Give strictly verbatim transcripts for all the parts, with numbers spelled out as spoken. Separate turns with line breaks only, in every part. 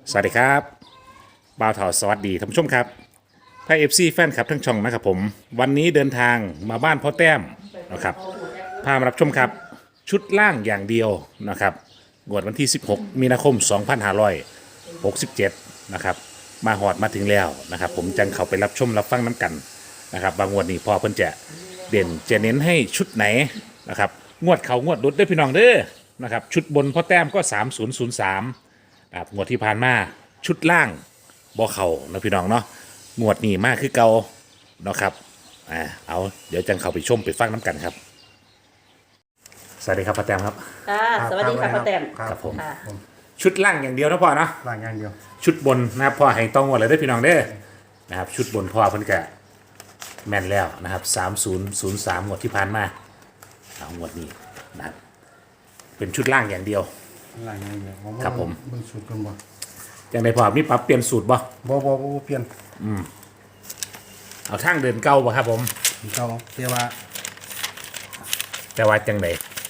สวัสดีครับบ่าวเถาสวัสดีท่านผู้ชมครับไทยเอฟซีแฟนคลับทั้งช่องนะครับผมวันนี้เดินทางมาบ้านพ่อแต้มนะครับพามารับชมครับชุดล่างอย่างเดียวนะครับงวดวันที่ สิบหก มีนาคม สองพันห้าร้อยหกสิบเจ็ดนะครับมาหอดมาถึงแล้วนะครับผมจังเข้าไปรับชมรับฟังน้ำกันนะครับบางงวดนี้พอเพิ่นจะเด่นจะเน้นให้ชุดไหนนะครับงวดเขางวดดุดได้อพี่น้องเด้อนะครับชุดบนพ่อแต้มก็สามศูนย์ศูนย์สามครับงวดที่ผ่านมาชุดล่างบ่เขานะพี่น้องเนาะงวดนี้มากคือเก่าเนาะครับอ่าเอาเดี๋ยวจังเข้าไปชมไปฟังน้ำกันครับสวัสดีครับพ่อแต้มครับ
ค่ะสวัสดีค่ะป้าแตม
ครับผม
ค่ะ
ชุดล่างอย่างเดียวนะพ่อเนาะ
ล่างอย่างเดียว
ชุดบนนะครับพ่อให้ต้องงวดเลยได้อพี่น้องเด้อนะครับชุดบนพ่อเพิ่นกะแม่นแล้วนะครับสามศูนย์ศูนย์สามงวดที่ผ่านมาเอางวดนี้นะครับเป็นชุดล่างอย่างเดียว
ล่างอย่างเดียวผมว่า
ครับผม
เบิ่งสูตรกันบ่
อย่างในพ่อมีปรับเปลี่ยนสูตรบ่
บ่บ่บ่เปลี่ยน
เอาทางเดินเก่าบ่ครับผม
เก่าแต่ว่า
แต่ว่าจังได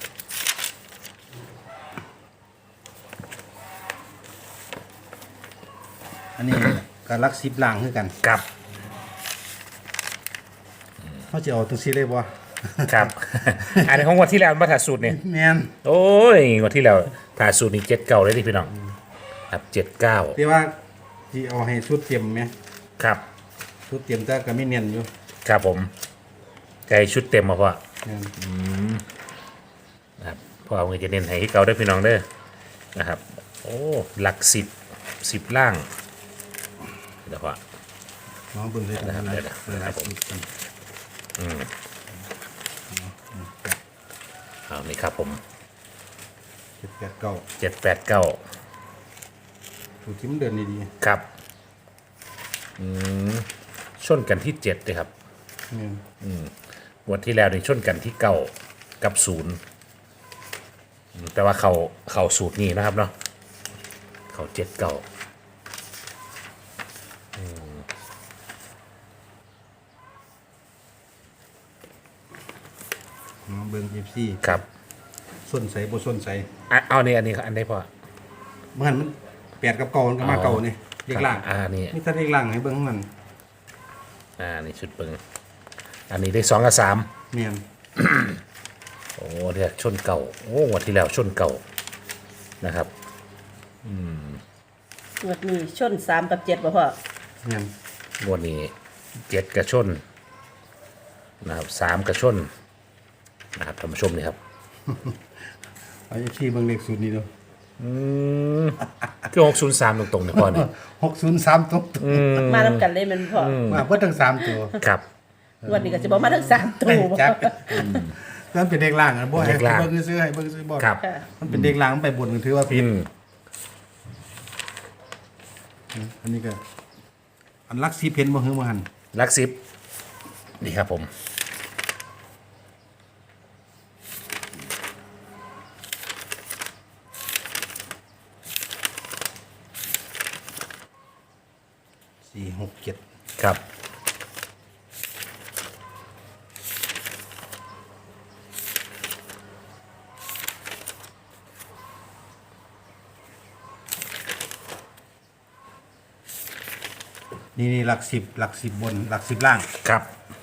อันนี้ ก็รักสิบล่างคือกัน
ครับ
เฮาสิเอาจังซี่เลยบ่
ครับ อันนี้ของงวดที่แล้วมาถ่ายสูตรเนี่ย
แม่น
โอ้ยงวดที่แล้วถ่ายสูตรนี่เจ็ดเก้าเลยดิพี่น้องครับเจ็ดเก้า
แต่ว่าสิเอาให้ชุดเต็มแหม
ครับ
ชุดเต็มแต่ก็มีเนียนอยู่
ครับผมไก่ชุดเต็มมาพ่อ
แม่น
นะครับพ่อเอาเงินจะเน้นให้เก่าได้อพี่น้องเด้อนะครับโอ้หลักสิบสิบล่างเดี๋ยวพ่อ
น้องเบิ่งเลย
นะครับเดี๋ยวนะ
เปิด
ครับผม
กัน
เอานี่ครับผม
เจ็ดแปดเก้า
เจ็ดแปดเก้า
สูตรที่มันเดินดี
ครับอืมชนกันที่เจ็ดเลยครับ
ๆแม่น
งวันที่แล้วนี่ชนกันที่เก้ากับศูนย์อืมแต่ว่าเขาเขาสูตรนี้นะครับเนาะเขาเจ็ดเก้า
น้องเบิ่ง เอฟ ซี
ครับ
ส้นใสบ่ส้นใส
อ่ะเอานี่อันนี้อันนี้พอ
เมื่อหันมันแปดกับเก่ามันก็มาเก่านี่เลขล่าง
อ่านี่
นี่ถ้าเลขล่างให้เบิ่งมัน
อ่านี่ชุดเปิงอันนี้ได้สองกับสาม
แม่น
โอ้เดี๋ยวชนเก่าโอ้งวันที่แล้วชนเก่านะครับ
งวดนี้ชนสามกับเจ็ดบ่พ่อ
แม่น
งวดนี้เจ็ดกระชนนะครับสามกระชนนะครับท่านผู้ชมนี่ครับ
เอาเอฟซีเบิ่งเลขสูตรนี้ดู
คือหกศูนย์สามตรงๆเนี่ยพ่อเนี่ย
หกศูนย์สามตัว
มาแล้วกันเลยแมันพ่อ
มาเพื่อทั้งสามตัว
ครับ
งวดนี้ก็จะบอกมาทั้งสามตัวบ่
จักมันเป็นเด็กล่างอ่ะบ่ให้
เด็กล่าง
เบิ่งซื้อให้เบิ่งซื้อบ่
ครับ
ค่ะ
มันเป็นเด็กล่างมันไปบนก็ถือว่าผิด
อืม
อันนี้ก็ อันลักซีเพนบ่ฮือบ่หัน
ลักซิปนี่ครับผม
สี่หกเจ็ด
ครับ
นี่นี่หลักสิบหลักสิบบนหลักสิบล่าง
ครับ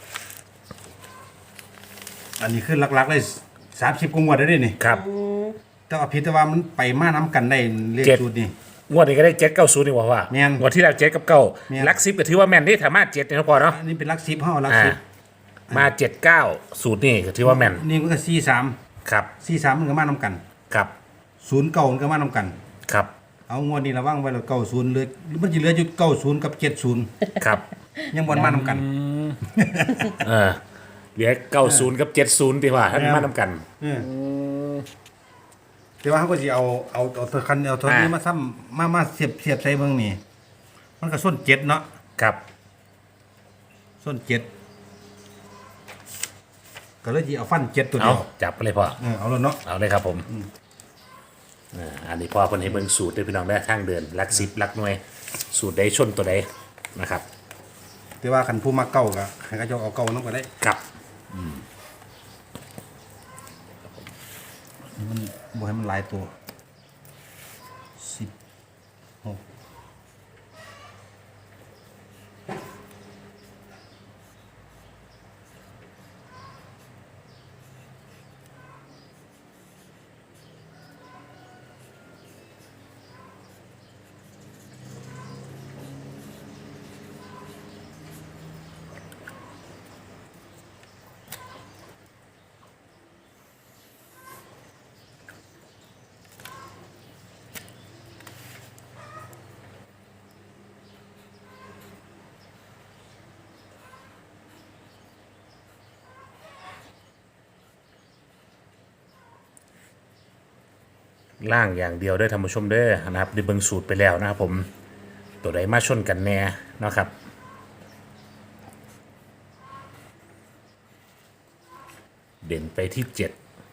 อันนี้คือหลักๆเลยสามสิบกว่างวดได้วนี่
ครับ
แต่ว่าผิดแต่ว่ามันไปมาน้ำกันได้เลข
เจ็ด
สูตรนี่
งวดนี้ก็ได้เจ็ดเก้าศูนย์นี่ว่าว่า
แม่น
งวดที่แล้วเจ็ดกับเก้า
แม่น
ลักซิปก็ถือว่าแม่นที่สามารถเจ็ดเนี่ยนะพอเนาะ
อันนี้เป็นหลักสิบเฮาหลัก
อ่า
สิบ
มาเจ็ดเก้าสูตรนี่ก็ถือว่าแม่น
นี่มันก็สี่สาม
ครับ
สี่สามมันก็มาน้ำกัน
ครับ
ศูนย์เก่ามันก็มาน้ำกัน
ครับ
เอางวดนี้ระวังไว้แล้วเก้าศูนย์เหลยมันจะเหลืออยู่เก้าศูนย์กับเจ็ดศูนย์
ครับ
ยังบนมาน้ำกัน
เออเหลือเก้าศูนย์กับเจ็ดศูนย์ดีกว่าท่านมาทำกัน
เออแต่ว่าเขาก็จะเอาเอาเอาตัวคันเอาตัวนี้
อ่าม
มาซ้ำมามาเสียบเสียบใส่เบิ่งนี่มันก็ส้นเจ็ดเนาะ
ครับ
ส้นเจ็ดก็เลยจะเอาฟันเจ็ดตัว
เอา
เดียว
จับไปเลยพ่อ
เออเอาแล้วเนาะ
เอาเลยครับผมอ่าอันนี้พ่อคนให้เบิ่งสูตรด้วยพี่น้องได้ทางเดินลักซิปลักหน่วย สูตรใดชนตัวใดนะครับ
แต่ว่าคันผู้มาเก่าก็ให้เขาเจะเอาเก่าน้องก็ได้
ครับ
มันบ่ให้มันหลายตัวสิบหก
ล่างอย่างเดียวได้อท่านผู้ชมเด้อนะครับได้เบิ่งสูตรไปแล้วนะครับผมตัวใดมาชนกันแน่นะครับเด่นไปที่เจ็ด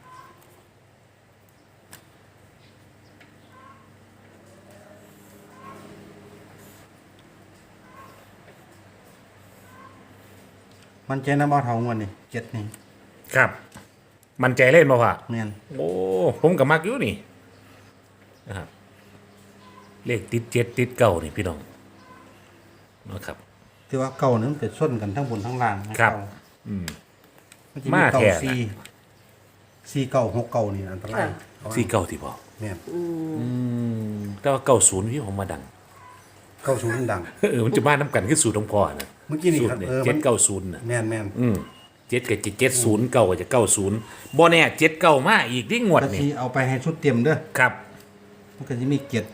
มันใจน้ำบ่เท่างวดนี่เจ็ดนี่
ครับ มันใจเล่นบ่พ่อ
แม่น
โอ้ผมกับมักอยู่นี่นะครับเลขติดเจ็ดติดเก้านี่พี่น้องนะครับ
ที่ว่าเก่านี่มันจะส้นกันทั้งบนทั้งล่างนะครับ เก่า
อืม
มันจะ
มา
มีเก่า
แท้นะ
สี่สี่เก่าหกเก่านี่อันตราย
สี่เก้าที่พอ
แม่น
แต่ว่าเก้าศูนย์พี่ผมมาดัง
เก่าศูนย์ดัง
เออมันจะมาน้ำกันคือสูตรของพ่อนะ
เมื่อกี้นี่
สูต
ครับ
รเนี่ย
เออ
เจ็
มั
ด
น
เก้าศูนย์นะ
แม่นแม่น
อืมเจ็ดกับเจ็ดเจ็ดศูนย์เก้ากับจะเก้าศูนย์บ่แน่เจ็ดเก้ามาอีกที่งวด
ก็
นี่
สิเอาไปให้ชุดเตรียมเด้อ
ครับ
มันก็จะมีเจ็ด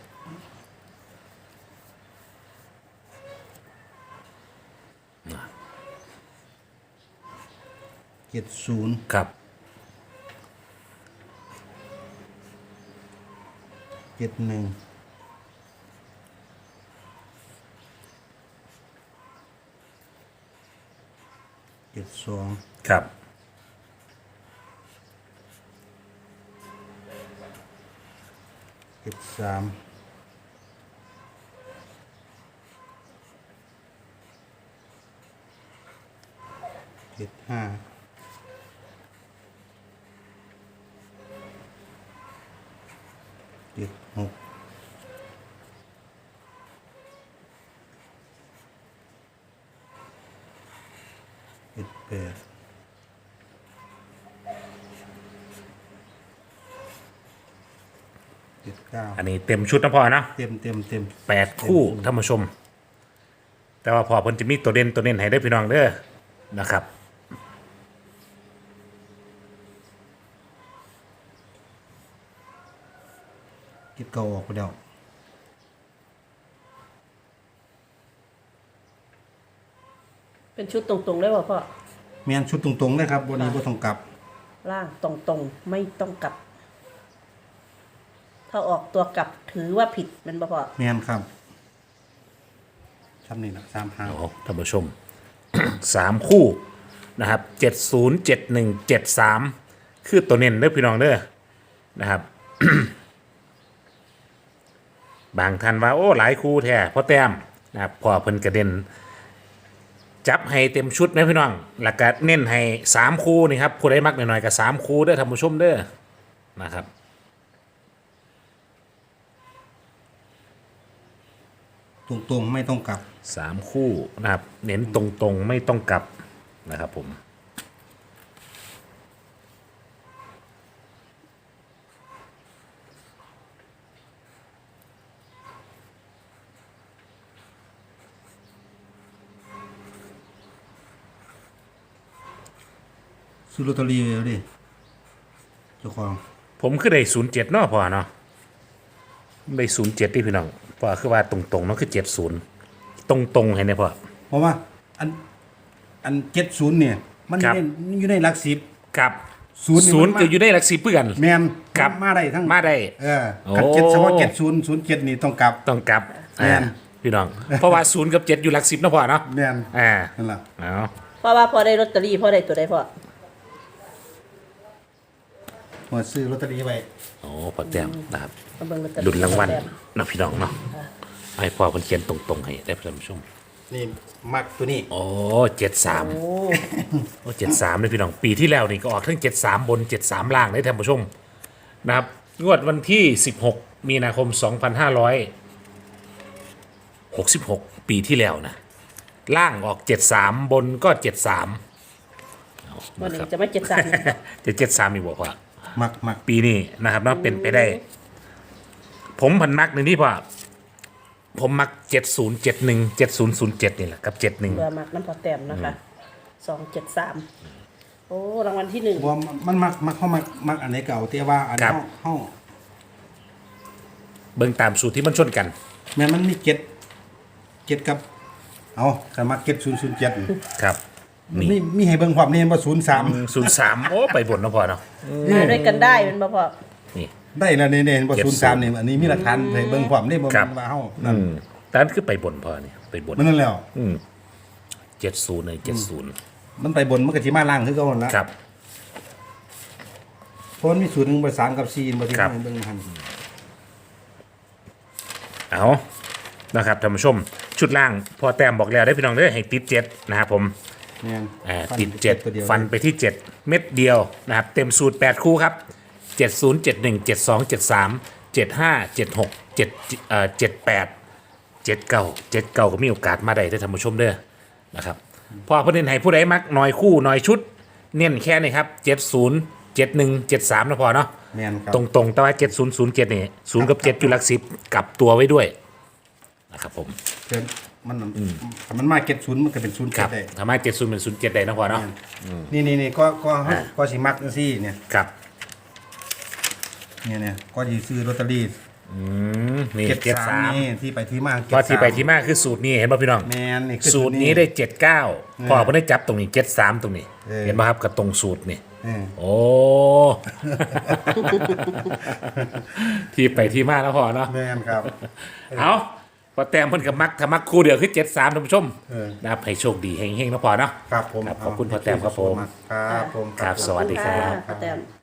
เจ็ดศูนย์
ครับ
เจ็ดหนึ่งเจ็ดสอง
ครับ
เจ็ดสามเจ็ดห้าเจ็ดหกเจ็ดแปดเจ็ดเก้า
อันนี้เต็มชุดนะพ่อนะ
เต็มเต็มเต็ม
แปดคู่ท่านผู้ชม แต่ว่าพอเพิ่นจะมีตัวเด่นตัวเด่นให้ได้อพี่น้องเด้อนะครับ
คิดเก่าออกไปแล้ว
เป็นชุดตรงๆได้ป่ะพ่อ
แมนชุดตรงๆเลยครับวันนี้บ่ต้องกลับ
ล่างตรงๆไม่ต้องกลับ ถ้าออกตัวกลับถือว่าผิดแมันบ่พ่อ
แมนครับทำนี่นะสามหาง
โอ้ท่านผู้ชม สามคู่นะครับเจ็ดศูนย์เจ็ดหนึ่งเจ็ดสามคือตัวเน้นเด้อพี่น้องเด้อนะครับ บางท่านว่าโอ้หลายคู่แท้เพราะแต้มนะครับพอเพิ่นกระเด็น จับให้เต็มชุดนะพี่น้องหลักการเน้นให้สามคู่นี่ครับผู้ใดมักหน่อยๆกับสามคู่เด้อท่านผู้ชมเด้อนะครับ
ตรงๆไม่ต้องกลับ
สามคู่นะครับเน้นตรงๆไม่ต้องกลับนะครับผม
ซื้อลอตเตอรี่แล้วดิเจ้าของ
ผมคือได้ศูนย์เจ็ดเนาะพอเนาะได้ศูนย์เจ็ดที่พี่น้องพอคือว่าตรงๆเนาะคือเจ็ดศูนย์ตรงๆให้เนี่ยพอ
เพราะว่าอันอันเจ็ดศูนย์เนี่ย มันอ
ครั
ยู่
บ
ในอยู่ในหลักสิบ
กับ
ศูนย์นี่
ศูนย์
มันมา
จะอยู่ได้หลักสิบเพื่อน
แมน
ครับ
มาได้ทั้ง
มาได้
เออ
โอ้
ขัดเจ็ดเฉพาะเจ็ดศูนย์ศูนย์เจ็ดนี่ต้องกลับ
ต้องกลับ
แม่น
อ่าพี่น้อง เพราะว่าศูนย์กับเจ็ดอยู่หลักสิบเนาะพอเนาะ
แมน
อ่า
นั่นแหละ
เอา
เพราะว่าพอได้ลอตเตอรี่พอได้ตัวใดพ่อ
หมดซื้อลอตเตอรี่ไว้
โอ้พอแต้มนะครับ
มาเบิ่งลอตเตอรี่
ลุ้นรางวัล
แต้ม
เนาะพี่น้องเนาะให้พ่อเพิ่นเขียนตรงๆให้ได้ท่านผู้ชม
นี่มักตัวนี้
โอ้เจ็ดสาม
โอ้
โอ้เจ็ดสามเลยพี่น้องปีที่แล้วนี่ก็ออกทั้งเจ็ดสามบนเจ็ดสามล่างได้ท่านผู้ชมนะครับงวดวันที่สิบหกมีนาคมสองพันห้าร้อยหกสิบหกปีที่แล้วนะล่างออกเจ็ดสามบนก็เจ็ดสาม
วันนี้จะไม่เจ็ดสาม
จะเจ็ดสามมีบอกว่า
มักมัก
ปีนี้นะครับเนาะเป็นไปได้ ผมพันมักหนึ่งที่พ่อผมมักเจ็ดศูนย์เจ็ดหนึ่งเจ็ดศูนย์ศูนย์เจ็ดนี่แหละกับเจ็ดหนึ่ง
เรือมักน้ำพอแต้มนะคะสองเจ็ดสามโอ้รางวัลที่หนึ่ง
ว่ามันมักมักเข้ามักมักอันไหนเก่าแต่ว่าอัน
ครับ
เข้าเข้า
เบิ่งตามสูตรที่มันชนกัน
แม้มันมีเจ็ดเจ็ดกับ เอาแต่มักเจ็ดศูนย์ศูนย์เจ็ด
ครับ
มีมีให้เบิ่งความนี่ว่าศูนย์สาม
ศูนย์สามโอ้ไปบนเนาะพ่อเนาะ
มาด้วยกันได้เป็นบ่พ่อ
นี่
ได้แล้วนี่ๆบ่
เจ็ด
ศูนย์สามนี่อันนี้มีหลักฐานให้เบิ่งความนี่บ่
ครับ
แม่นว่าเฮา
อื
นั่น
มแต่นั้นคือไปบนพอเนี่ยไปบน
มันนั่นแล้ว
อืมเจ็ดศูนย์เลยเจ็ดศูนย์
มันไปบนมันก็สิมาล่างคือเก่านั่นล่ะ
ครับ
เพราะมันมีศูนย์หนึ่งบ่สามกับสี่บ่ที่
ครับ
ให้เบิ่งหั่น
เอานะครับท่านผู้ชม ชุดล่างพอแต้มบอกแล้วได้พี่น้องเด้อให้ติดเจ็ดนะครับผม
แม่น
อ่า
ฟัน
ติดเจ็ด
ตัวยว
ฟันไปที่เจ็ดเม็ดเดียวนะครับเต็มสูตรแปดคู่ครับเจ็ดศูนย์เจ็ดหนึ่งเจ็ดสองเจ็ดสามเจ็ดห้าเจ็ดหกเจ็ดเอ่อเจ็ดแปดเจ็ดเก้าเจ็ดเก้าก็มีโอกาสมาได้ได้อท่านผู้ชมเด้อนะครับพอประเด็นให้ผู้ใดมักน้อยคู่น้อยชุด เน้นแค่นี้ครับเจ็ดศูนย์เจ็ดหนึ่งเจ็ดสามนะพอเนาะ
แม่นครับ
ตรงๆแต่ว่าเจ็ดศูนย์ศูนย์เจ็ดนี่ศูนย์กับเจ็ดอยู่หลักสิบกลับตัวไว้ด้วยนะครับผม
เกินมันถ้ามันมาเก็ตศูนย์มันก็เป็นศูนย์
ค
เจ็
รั
ด
บ
ได้
ทำให้เจ็ดศูนย์เป็นศูนย์เจ็ดได้นะพอเนาะ
นี่นี่นี่ก็ก็
อ่า
ก็สิมักจังซี่เนี่ย
ครับ
เนี่ยเนี่ยก็สิซื้อลอตเตอรี่
อืมนี่
เก็ต
เจ็ด
สา
สาม ม
นี่ที่ไปที่มา
พอที่ไป
เก็ตสาม
ที่มาคือสูตรนี้เห็นป่ะพี่น้อง
แม่นนี่คือ
สูตรนี้ได้เจ็ดเก้าพอ
เออ
เพิ่นได้จับตรงนี้เจ็ดสามตรงนี้
เออ
เห็นป่ะครับกับตรงสูตรนี่
เออ
โอ้ ที่ไปที่มาแล้วพอเนาะ
แม่นครับ
เอาพอแต้มเพิ่นกับมักถ้ามักคู่เดียวคือเจ็ดสามท่านผู้ชม
เออ
นะครับให้โชคดีเฮงๆนะพอเนาะ
ครับผม
ครับขอบคุณพ่อแต้มครับผม
ครับผม
ครับสวัสดีครับ
ป้าแต้ม